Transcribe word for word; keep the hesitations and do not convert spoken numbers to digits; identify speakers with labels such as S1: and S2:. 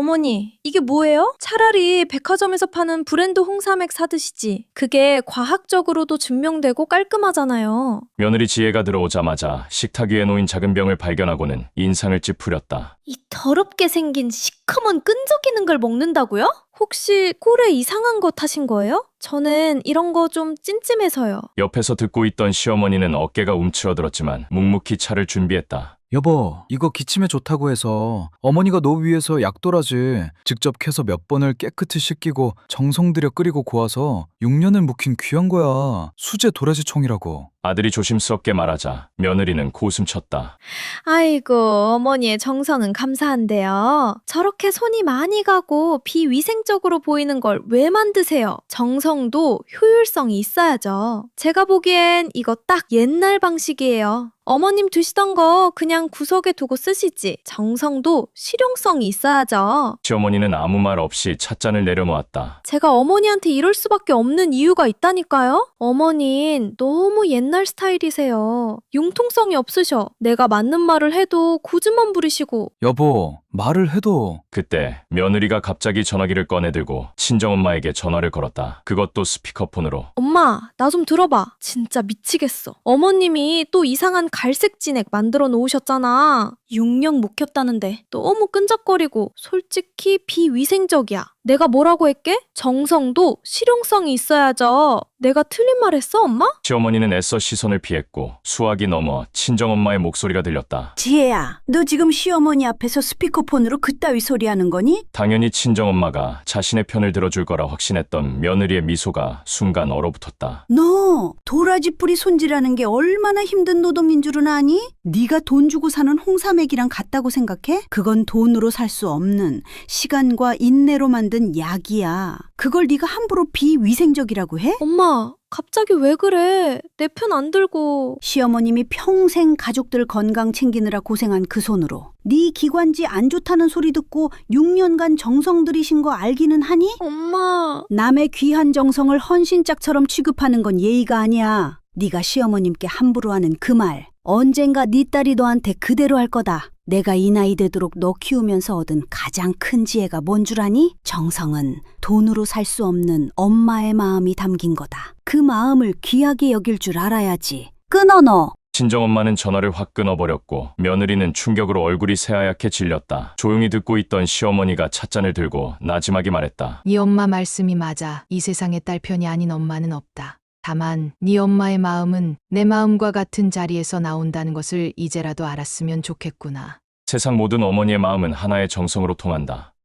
S1: 어머니, 이게 뭐예요? 차라리 백화점에서 파는 브랜드 홍삼액 사드시지. 그게 과학적으로도 증명되고 깔끔하잖아요.
S2: 며느리 지혜가 들어오자마자 식탁 위에 놓인 작은 병을 발견하고는 인상을 찌푸렸다.
S1: 이 더럽게 생긴 시커먼 끈적이는 걸 먹는다고요? 혹시 꼴에 이상한 거 타신 거예요? 저는 이런 거 좀 찜찜해서요.
S2: 옆에서 듣고 있던 시어머니는 어깨가 움츠러들었지만 묵묵히 차를 준비했다.
S3: 여보, 이거 기침에 좋다고 해서 어머니가 노 위에서 약도라지 직접 캐서 몇 번을 깨끗이 씻기고 정성 들여 끓이고 고아서 육 년을 묵힌 귀한 거야. 수제 도라지총이라고.
S2: 아들이 조심스럽게 말하자 며느리는 고숨쳤다.
S1: 아이고, 어머니의 정성은 감사한데요. 저렇게 손이 많이 가고 비위생적으로 보이는 걸 왜 만드세요? 정성도 효율성이 있어야죠. 제가 보기엔 이거 딱 옛날 방식이에요. 어머님 드시던 거 그냥 구석에 두고 쓰시지. 정성도 실용성이 있어야죠.
S2: 시어머니는 아무 말 없이 찻잔을 내려놓았다.
S1: 제가 어머니한테 이럴 수밖에 없는 이유가 있다니까요? 어머닌 너무 옛날 스타일이세요. 융통성이 없으셔. 내가 맞는 말을 해도 고집만 부리시고.
S3: 여보, 말을 해도.
S2: 그때 며느리가 갑자기 전화기를 꺼내들고 친정엄마에게 전화를 걸었다. 그것도 스피커폰으로.
S1: 엄마, 나 좀 들어봐. 진짜 미치겠어. 어머님이 또 이상한 갈색 진액 만들어 놓으셨잖아. 육 년 못 켰다는데 너무 끈적거리고 솔직히 비위생적이야. 내가 뭐라고 했게? 정성도 실용성이 있어야죠. 내가 틀린 말 했어, 엄마?
S2: 시어머니는 애써 시선을 피했고 수화기 넘어 친정엄마의 목소리가 들렸다.
S4: 지혜야, 너 지금 시어머니 앞에서 스피커폰으로 그따위 소리하는 거니?
S2: 당연히 친정엄마가 자신의 편을 들어줄 거라 확신했던 며느리의 미소가 순간 얼어붙었다.
S4: 너 도라지 뿌리 손질하는 게 얼마나 힘든 노동인 줄은 아니? 네가 돈 주고 사는 홍삼액이랑 같다고 생각해? 그건 돈으로 살 수 없는 시간과 인내로 만든 약이야. 그걸 네가 함부로 비위생적이라고 해?
S1: 엄마, 갑자기 왜 그래? 내 편 안 들고.
S4: 시어머님이 평생 가족들 건강 챙기느라 고생한 그 손으로 네 기관지 안 좋다는 소리 듣고 육 년간 정성 들이신 거 알기는 하니?
S1: 엄마.
S4: 남의 귀한 정성을 헌신짝처럼 취급하는 건 예의가 아니야. 네가 시어머님께 함부로 하는 그 말 언젠가 네 딸이 너한테 그대로 할 거다. 내가 이 나이 되도록 너 키우면서 얻은 가장 큰 지혜가 뭔 줄 아니? 정성은 돈으로 살 수 없는 엄마의 마음이 담긴 거다. 그 마음을 귀하게 여길 줄 알아야지. 끊어 너.
S2: 친정엄마는 전화를 확 끊어버렸고 며느리는 충격으로 얼굴이 새하얗게 질렸다. 조용히 듣고 있던 시어머니가 찻잔을 들고 나지막이 말했다.
S5: 네 엄마 말씀이 맞아. 이 세상에 딸 편이 아닌 엄마는 없다. 다만 네 엄마의 마음은 내 마음과 같은 자리에서 나온다는 것을 이제라도 알았으면 좋겠구나.
S2: 세상 모든 어머니의 마음은 하나의 정성으로 통한다.